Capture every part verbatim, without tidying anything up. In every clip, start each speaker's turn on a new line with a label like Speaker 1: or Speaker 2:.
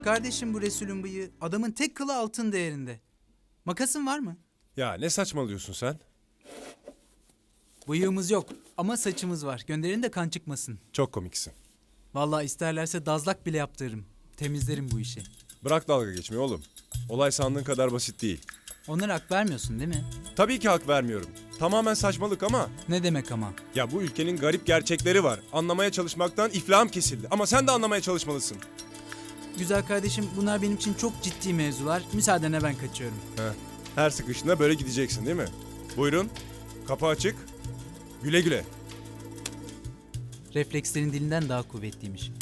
Speaker 1: Kardeşim bu Resul'ün bıyığı adamın tek kılı altın değerinde. Makasın var mı?
Speaker 2: Ya ne saçmalıyorsun sen?
Speaker 1: Bıyığımız yok ama saçımız var. Gönderin de kan çıkmasın.
Speaker 2: Çok komiksin.
Speaker 1: Vallahi isterlerse dazlak bile yaptırırım. Temizlerim bu işi.
Speaker 2: Bırak dalga geçmeyi oğlum. Olay sandığın kadar basit değil.
Speaker 1: Onlara hak vermiyorsun değil mi?
Speaker 2: Tabii ki hak vermiyorum. Tamamen saçmalık ama...
Speaker 1: Ne demek ama?
Speaker 2: Ya bu ülkenin garip gerçekleri var. Anlamaya çalışmaktan iflahım kesildi. Ama sen de anlamaya çalışmalısın.
Speaker 1: Güzel kardeşim, bunlar benim için çok ciddi mevzular. Müsaadene ben kaçıyorum.
Speaker 2: Heh. Her sıkışında böyle gideceksin değil mi? Buyurun. Kapı açık. Güle güle.
Speaker 1: Reflekslerin dilinden daha kuvvetliymiş.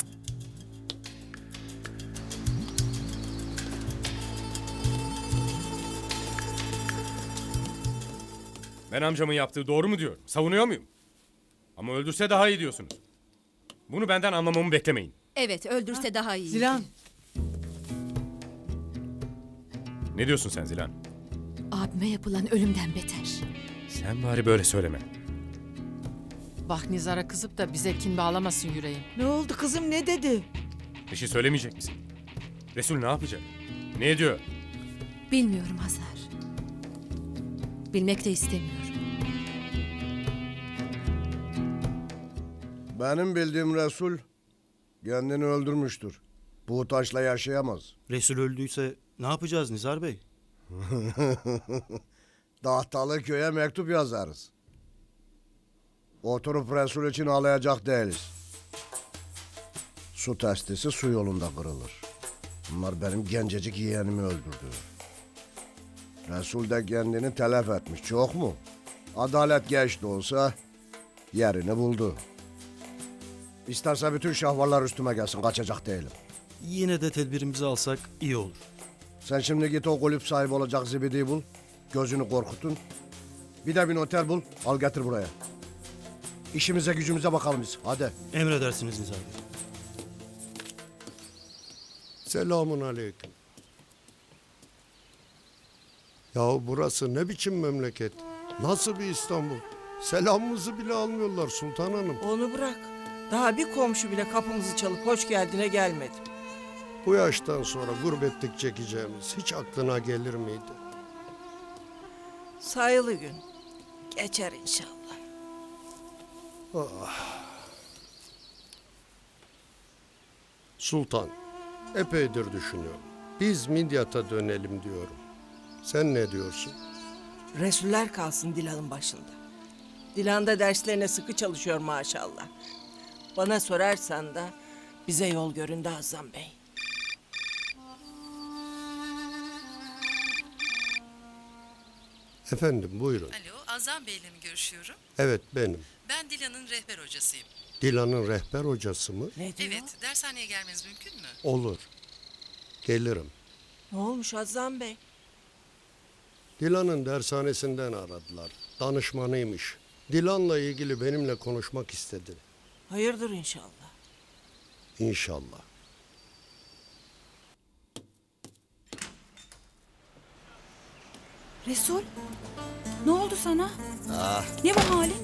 Speaker 3: Ben amcamın yaptığı doğru mu diyorum? Savunuyor muyum? Ama öldürse daha iyi diyorsunuz. Bunu benden anlamamı beklemeyin.
Speaker 4: Evet, öldürse daha iyi.
Speaker 5: Zilan,
Speaker 3: Ne diyorsun sen Zilan?
Speaker 4: Abime yapılan ölümden beter.
Speaker 3: Sen bari böyle söyleme.
Speaker 5: bak Nizar'a kızıp da bize kin bağlamasın yüreğim.
Speaker 6: Ne oldu kızım, ne dedi?
Speaker 3: Bir şey söylemeyecek misin? Resul ne yapacak? Ne ediyor?
Speaker 4: Bilmiyorum Hazar. Bilmek de istemiyorum.
Speaker 7: Benim bildiğim Resul kendini öldürmüştür. Bu taşla yaşayamaz.
Speaker 8: Resul öldüyse ne yapacağız Nizar Bey?
Speaker 7: Dahtalı köye mektup yazarız. Oturup Resul için ağlayacak değiliz. Su testisi su yolunda kırılır. Bunlar benim gencecik yeğenimi öldürdü. Resul de kendini telef etmiş. Çok mu? Adalet geç de olsa yerini buldu. İsterse bütün şahvarlar üstüme gelsin. Kaçacak değilim.
Speaker 8: Yine de tedbirimizi alsak iyi olur.
Speaker 7: Sen şimdi git o kulüp sahibi olacak zibidiyi bul. Gözünü korkutun. Bir de bir noter bul. Al getir buraya. İşimize gücümüze bakalım biz. Hadi.
Speaker 8: Emredersiniz Nizar Bey.
Speaker 9: Selamun aleyküm. Yahu burası ne biçim memleket? Nasıl bir İstanbul? Selamımızı bile almıyorlar Sultan Hanım.
Speaker 6: Onu bırak. Daha bir komşu bile kapımızı çalıp hoş geldine gelmedi.
Speaker 9: Bu yaştan sonra gurbetlik çekeceğimiz hiç aklına gelir miydi?
Speaker 6: Sayılı gün. Geçer inşallah.
Speaker 9: Sultan, epeydir düşünüyorum. Biz Midyat'a dönelim diyorum. Sen ne diyorsun?
Speaker 6: Resuller kalsın Dilan'ın başında. Dilan da derslerine sıkı çalışıyor maşallah. Bana sorarsan da bize yol göründü Azam Bey.
Speaker 9: Efendim buyurun.
Speaker 10: Alo, Azam Bey'le mi görüşüyorum?
Speaker 9: Evet benim.
Speaker 10: Ben Dilan'ın rehber hocasıyım.
Speaker 9: Dilan'ın rehber hocası mı?
Speaker 6: Ne diyor?
Speaker 10: Evet, dershaneye gelmeniz mümkün mü?
Speaker 9: Olur. Gelirim.
Speaker 6: Ne olmuş Azam Bey?
Speaker 9: Dilan'ın dershanesinden aradılar. Danışmanıymış. Dilan'la ilgili benimle konuşmak istedi.
Speaker 6: Hayırdır inşallah.
Speaker 9: İnşallah.
Speaker 4: Resul, ne oldu sana? Ne bu halin?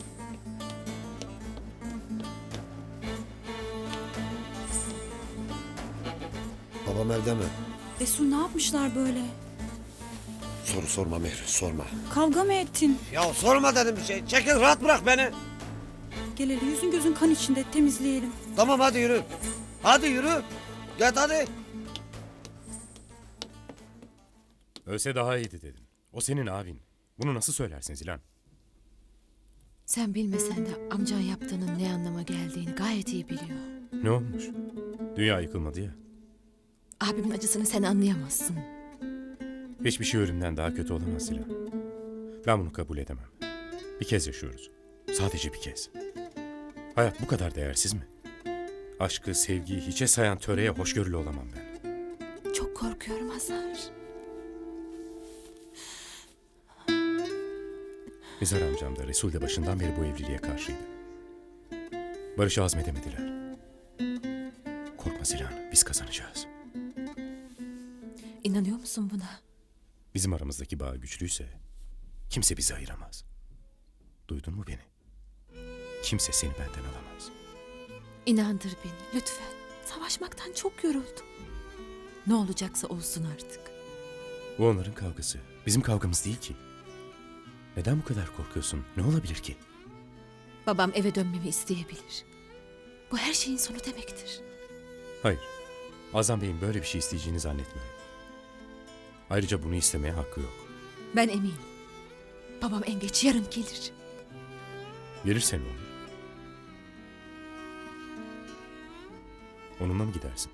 Speaker 11: Babam evde mi?
Speaker 4: Resul ne yapmışlar böyle?
Speaker 11: Soru sorma Mehri, sorma.
Speaker 4: Kavga mı ettin?
Speaker 11: Ya sorma dedim bir şey. Çekil, rahat bırak beni.
Speaker 4: Gel hele yüzün gözün kan içinde temizleyelim.
Speaker 11: Tamam hadi yürü. Hadi yürü. Git hadi.
Speaker 3: Ölse daha iyiydi dedin. O senin abin. Bunu nasıl söylersin Zilan?
Speaker 4: Sen bilmesen de amcan yaptığının ne anlama geldiğini gayet iyi biliyor.
Speaker 3: Ne olmuş? Dünya yıkılmadı ya.
Speaker 4: Abimin acısını sen anlayamazsın.
Speaker 3: Hiçbir şey ölümden daha kötü olamaz Zilan. Ben bunu kabul edemem. Bir kez yaşıyoruz. Sadece bir kez. Hayat bu kadar değersiz mi? Aşkı, sevgiyi hiçe sayan töreye hoşgörülü olamam ben.
Speaker 4: Çok korkuyorum Hazar.
Speaker 3: Nizar amcam da Resul de başından beri bu evliliğe karşıydı. Barışı azmedemediler. Korkma Zilan, biz kazanacağız.
Speaker 4: İnanıyor musun buna?
Speaker 3: Bizim aramızdaki bağ güçlüyse kimse bizi ayıramaz. Duydun mu beni? Kimse seni benden alamaz.
Speaker 4: İnandır beni lütfen. Savaşmaktan çok yoruldum. Ne olacaksa olsun artık.
Speaker 3: Bu onların kavgası. Bizim kavgamız değil ki. Neden bu kadar korkuyorsun? Ne olabilir ki?
Speaker 4: Babam eve dönmemi isteyebilir. Bu her şeyin sonu demektir.
Speaker 3: Hayır. Azam Bey'in böyle bir şey isteyeceğini zannetmiyorum. Ayrıca bunu istemeye hakkı yok.
Speaker 4: Ben eminim. Babam en geç yarın gelir.
Speaker 3: Gelirse ne olur? Onunla mı gidersin?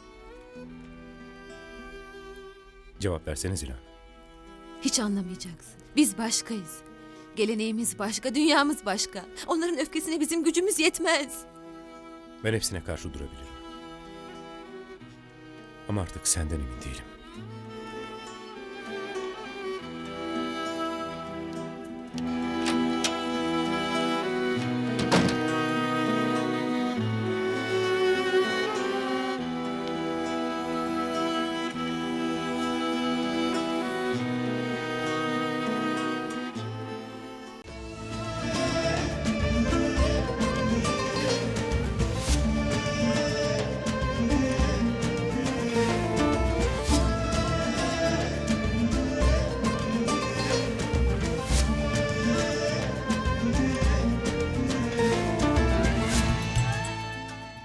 Speaker 3: Cevap versene Zilan.
Speaker 4: Hiç anlamayacaksın. Biz başkayız. Geleneğimiz başka, dünyamız başka. Onların öfkesine bizim gücümüz yetmez.
Speaker 3: Ben hepsine karşı durabilirim. Ama artık senden emin değilim.